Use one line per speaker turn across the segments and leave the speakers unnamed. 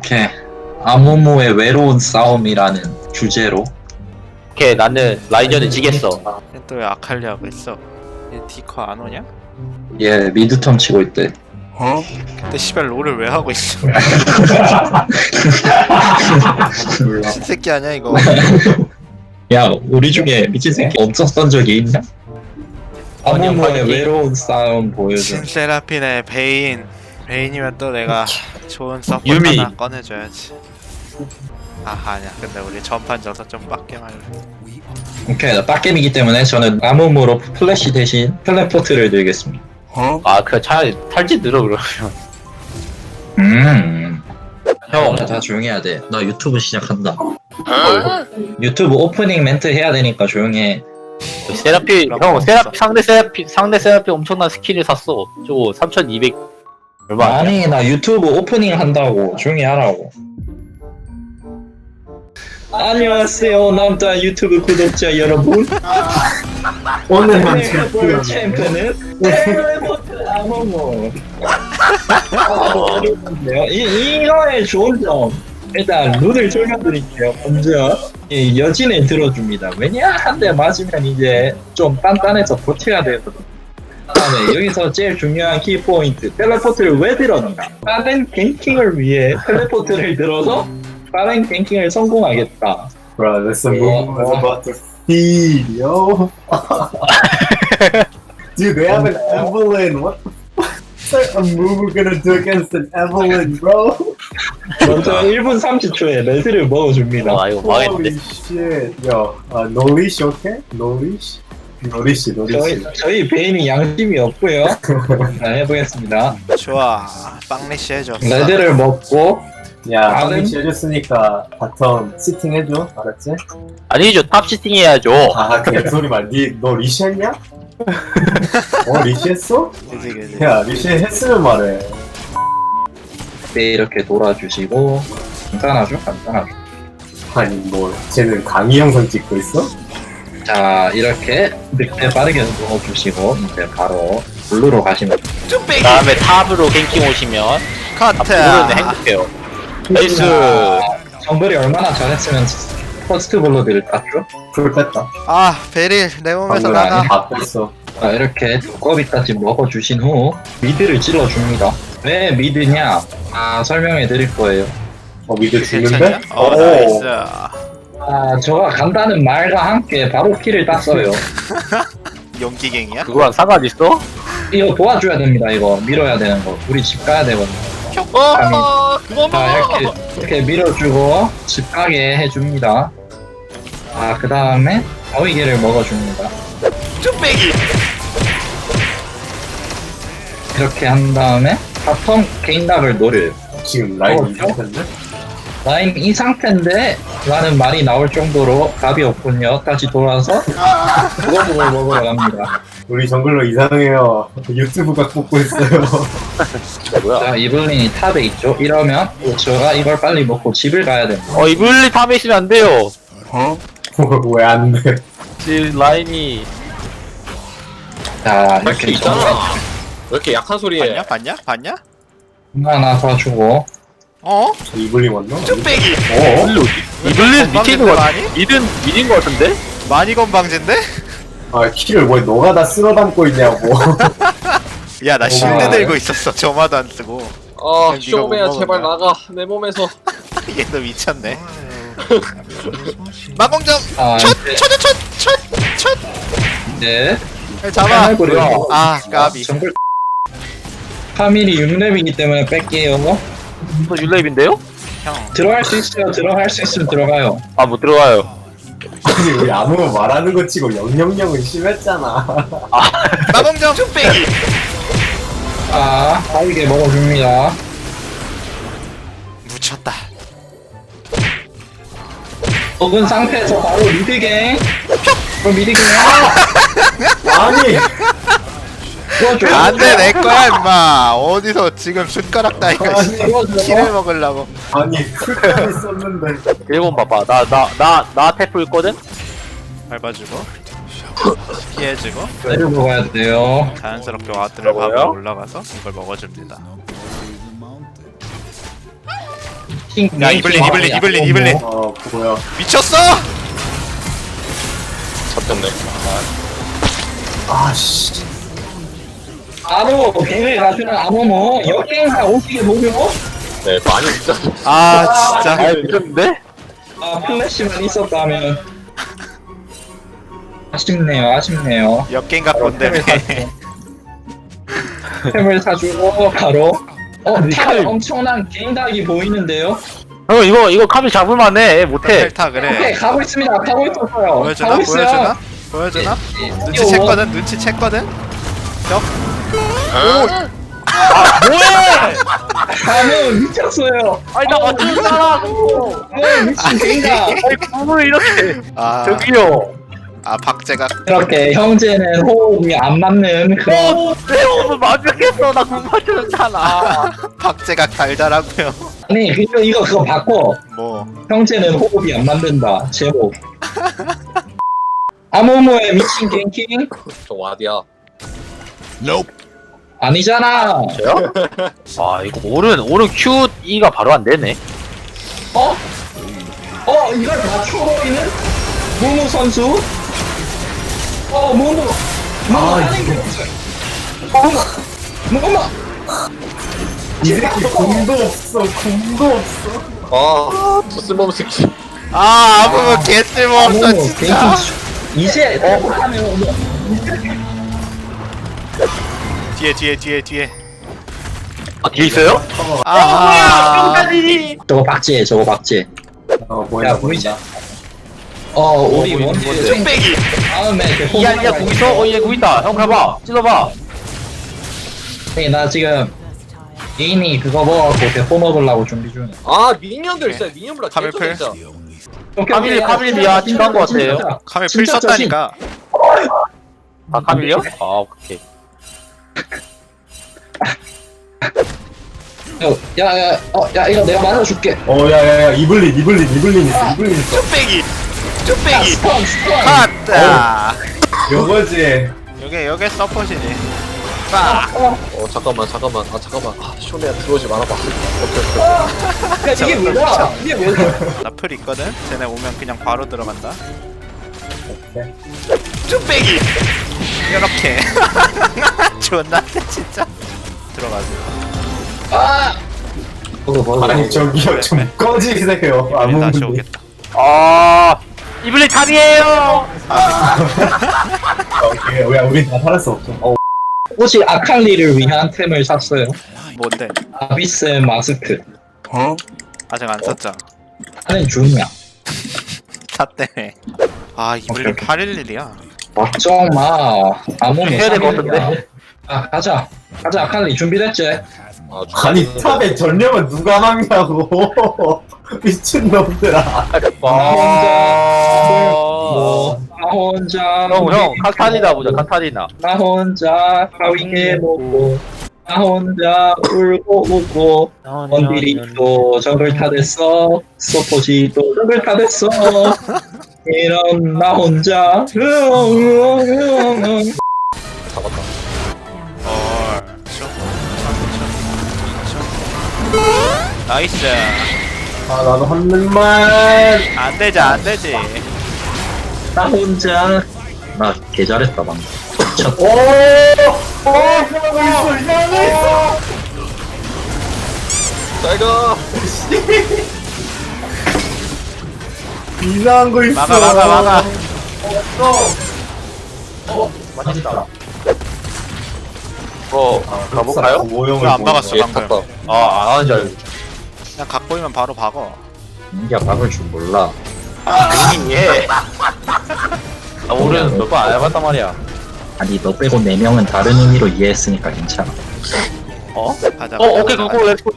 오케이. 아무무의 외로운 싸움이라는 주제로.
오케이 나는 라인전에 지겠어.
또 왜 아칼리 하고 있어? 얘 디커 안 오냐?
얘 미드텀 치고 있대.
근데 씨발 롤을 왜 하고 있어? 신새끼 아니야 이거?
야, 우리 중에 미친 새끼 없었던 적이 있냐? 아무무의
파이팅.
외로운 싸움 보여줘.
신세라핀의 베인이면 또 내가 좋은 서포트
유미.
하나 꺼내줘야지. 아니야. 근데 우리 전판 져서 좀 빡게 말래.
오케이, 나 빡겜이기 때문에 저는 아무무로 플래시 대신 텔레포트를 들겠습니다.
아 그래 차라리 탈진 늘어 그러면.
형, 다 조용히 해야 돼. 나 유튜브 시작한다. 유튜브 오프닝 멘트 해야 되니까 조용히 해.
세라피 형 상대 세라피 엄청난 스킬을 샀어. 저거 3,200 얼마 아니야?
아니, 나 유튜브 오프닝 한다고. 조용히 하라고. 안녕하세요, 남자 유튜브 구독자 여러분. 오늘의 챔프는 텔레포트 아무무. 이거의 좋은 점. 일단 룰을 설명드릴게요. 먼저 이 여진을 들어줍니다. 왜냐? 한 대 맞으면 이제 좀 단단해서 버텨야 되거든. 그다음에 여기서 제일 중요한 키포인트, 텔레포트를 왜 들었는가? 빠른 갱킹을 위해 텔레포트를 들어서 빠른 갱킹을 성공하겠다.
Bro, this move was about to feed, yo. Dude, they have an Evelyn. What the fuck? A move we're gonna do against an Evelyn, bro?
먼저 1분 30초에 레드를 먹어줍니다.
아 이거
Holy
망했는데.
shit. Yo, no leash, okay? No leash? No leash, no leash.
저희 베인이 양심이 없고요. 자, 해보겠습니다.
좋아. 빵리시 해줘.
레드를 먹고
야,
나는-
no leash 해줬으니까 바텀 시팅 해줘. 알았지?
아니죠 탑 시팅 해야죠.
아, 그냥 소리 말. 너 리시 했냐? 리시 했어?
그지.
야, 리시 했으면 말해.
네, 이렇게 돌아주시고 간단하죠? 간단하죠.
아니, 뭐, 쟤는 강의 영상 찍고 있어?
자, 이렇게 늑대 빠르게 넣어주시고 이제 바로 블루로 가시면
쭈빼기.
다음에 탑으로 갱킹 오시면
커트.
블루는 행복해요. 나이스.
정글이 얼마나 잘했으면 퍼스트 블루들을 땄죠?
풀 뺐다.
베릴 내 몸에서
방금
나가.
아니야?
다 뺐어.
자, 이렇게 두꺼비까지 먹어주신 후 미드를 찔러줍니다. 왜 미드냐? 설명해 드릴 거예요.
미드
괜찮냐?
죽는데?
나이스.
저가 간다는 말과 함께 바로 킬을 땄어요.
용기갱이야?
그거랑 상관 있어?
이거 도와줘야 됩니다. 이거 밀어야 되는 거. 우리 집 가야 되거든요. 자, 이렇게 밀어주고 집 가게 해줍니다. 그 다음에 어이개를 먹어줍니다.
쭈빼기.
이렇게 한 다음에 바텀 개인각을 노려요.
지금 라인
어,
이 상태인데?
라인 이 상태인데 라는 말이 나올 정도로 답이 없군요. 다시 돌아서 그거를 먹으러 갑니다.
우리 정글로 이상해요. 유튜브가 뽑고 있어요.
뭐야?
자, 이블린이 탑에 있죠. 이러면 제가 이걸 빨리 먹고 집을 가야 됩니다.
이블리 탑에 있으면 안 돼요.
왜 안 돼?
지금 라인이
자, 이렇게 정말
왜 이렇게 약한 소리 해?
봤냐?
하나 더 주고
이블리 왔나?
쭈빼기.
이블리 어디? 이블리 밑에 있는 거 같아.
아니?
mid인 거 같은데?
많이 건방진데?
키를 왜 너가 다 쓸어 담고 있냐고.
야, 나 실드
아.
들고 있었어. 저마도 안 쓰고. 그냥 네가
쇼메야
못
제발
먹었나?
나가 내 몸에서.
얘도 미쳤네. 마공점.
이제
첫.
이제
잡아.
패널고리로
까비.
정글 카밀이 6렙이기 때문에 뺄게요.
이거 율레입인데요?
형.
들어갈 수 있어요. 들어갈 수 있으면 들어가요.
아 못 들어가요.
아니 우리 아무 말하는 거 치고 000은 심했잖아.
마공점. 쭈빼기.
빠르게 먹어줍니다.
묻혔다.
먹은 상태에서 바로 미드갱. 그럼 미드갱.
아니
도와줘.
안돼 내 거야 임마. 어디서 지금 숟가락 따위가 키를 먹으려고.
아니 풀까지 썼는데.
일본 봐봐. 나 태프 있거든?
밟아주고 피해주고
내려 먹어야 돼요.
자연스럽게 와드를
뭐야?
밟아 올라가서 이걸 먹어줍니다. 야 이블린
뭐야.
미쳤어?
잡혔네.
아씨.
바로 배를 가주는 아모모 역행사 오시게 보죠.
네, 많이 진짜.
아 진짜
아 미쳤는데?
아 플래시만 있었다면 아쉽네요.
역갱가 본데네.
템을 사주고 바로 탑에
칼.
엄청난 개인닭이 보이는데요.
형 이거 카밀 잡을만해 못해.
펠타
오케이
그래.
가고 있습니다. 가고 있었어요.
보여주나?
가고 있어요.
보여주나?
이거
눈치챘거든?
뭐해?
아모 미쳤어요.
아니 나 맞추잖아.
미친 개인닭.
아니 구을 이렇게.
아,
저기요.
박제가
이렇게 형제는 호흡이 안 맞는 그런
내 몸을 완벽했어. 나 못 맞췄잖아.
박제가 달달하고요.
아니 그거 바꿔.
뭐
형제는 호흡이 안 맞는다. 제목. 아모모의 미친 갱킹
저 와디야.
아니잖아.
저요? 아 이거 오른 Q E가 바로 안 되네.
이걸 맞춰버리는 무무 선수. 무무. 무무.
이 새끼 공도 없어.
아, 저 쓸모없는 새끼.
아무 개쓸모없어
아모모
진짜.
갱킹. 이제 하면
뒤에
아 뒤에 있어요?
아
저거 박제.
뭐야.
야, 보이지? 우리
보이는
원딜
건데.
생
빼기.
다음에
이야 공 있어? 얘 공 있다. 형 가봐. 찔러봐.
나 지금 개인이 그거 먹어갖고 대포 먹으려고 준비 중이야.
아, 미니언들 진짜 미니언보다
카밀플?
진짜.
카밀이야 친한 거 같아요.
카메라 풀
진짜
썼다니까.
아 카밀이요? 아 오케이.
야 이거 내가 맞아줄게.
야야야 이블린 있어.
빼기.
야 스턴.
컷다.
요거지.
요게 서폿이지. 빠.
잠깐만. 아, 쇼네야 들어오지 말아봐. 오케이.
야 이게 뭐야? 이게 왜?
나풀 있거든. 쟤네 오면 그냥 바로 들어간다. 빼기. 이렇게. 존나 세 진짜. 들어가지.
아니 저기요 좀 꺼지세요.
우리 다시
아무
오겠다.
아 이블린 탑이에요.
왜 우리 다 살할 수 없어.
혹시 아칼리를 위한 템을 샀어요.
뭔데?
아비스 마스크.
아직 안 썼잖아.
하는 중이야.
샀대. 아 이블린 811이야.
걱정 마. 아무모
해야 될 것 같은데.
가자 아칼리 준비됐지?
아,
아니 탑에 전령은 누가 막냐고. 미친놈들아.
나 혼자
형 카타리나 보자 카타리나.
나 혼자 하위에 먹고 나 혼자 울고 웃고 원딜이 또 저걸 타댔어 서포지 또 저걸 타댔어 이런 나 혼자
잡았다.
나이스.
나도 한 입만.
안 되지.
나 혼자 나 개 잘했다 방금
이상한 거 있어.
잘 가.
이상한 거 있어.
막아.
맛있다
가볼까요?
왜 안 박았어
얘
방금?
탔다.
안 하는 줄 알고.
그냥 각 보이면 바로 박어.
인기야 박을 줄 몰라
예. 나 오른 몇번 안 해봤단 말이야.
아니 너 빼고 4명은 다른 의미로 이해했으니까 괜찮아
가자.
오케이 그거 렛츠고.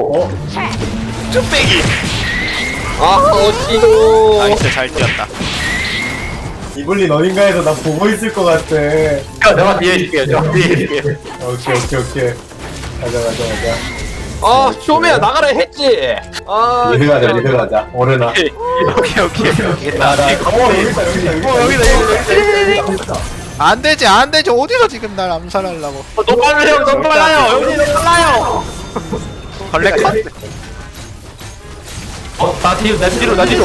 빼기.
아, 어찌도.
나이스 잘 뛰었다.
이블린 어딘가에서 나 보고 있을 것 같아.
내가 뒤에 있을게. 내가 뒤에 있을게.
오케이. 가자.
아, 쇼메야 나가라 했지. 아,
리드 가자. 오르나.
오케이.
여기다.
안 되지. 어디서 지금 날 암살하려고?
너무 빨라요. 형님 너무 빨라요.
걸레 컷.
나 뒤로.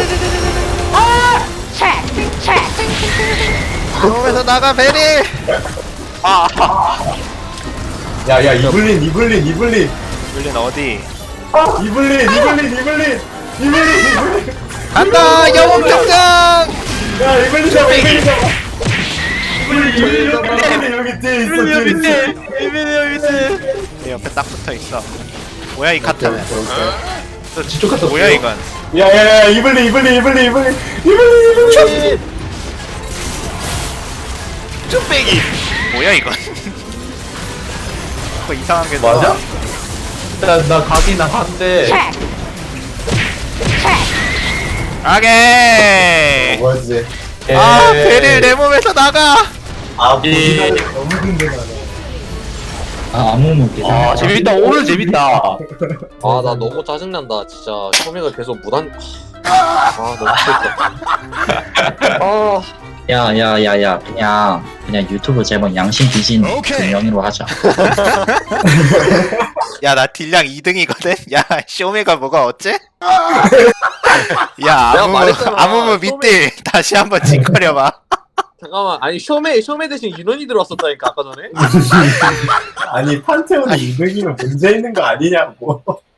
몸에서 나가 베릴.
야야 이블린
물린 어디?
이블린
간다 영웅 등장.
야 이블린 잡아 이블린 여기 뒤에 있어
내 옆에 딱 붙어 있어. 뭐야 이 카트는?
뒤쪽 갔다
뭐야 이건?
야야야 이블린
쭈빼기. 뭐야 이건? 뭐 이상한 게
맞아? 나 가긴 한데.
가게.
뭐지
아 베릴 내 몸에서 나가.
아 보기가 너무 힘들다
아 아무 문제.
아 재밌다. 오늘 재밌다.
아 나 너무 짜증난다 진짜. 쇼메가 계속 무단. 아 너무 싫다. 아.
야야야야 그냥 유튜브 제목 양심 비진 그 명의로 하자.
야 나 딜량 2등이거든. 야 쇼메가 뭐가 어째? 야
내가 말했잖아.
아무무 밑딜 다시 한번 징거려봐.
잠깐만 아니 쇼메 대신 윤원이 들어왔었다니까 아까 전에.
아니 판테온이 200이면 문제 있는 거 아니냐고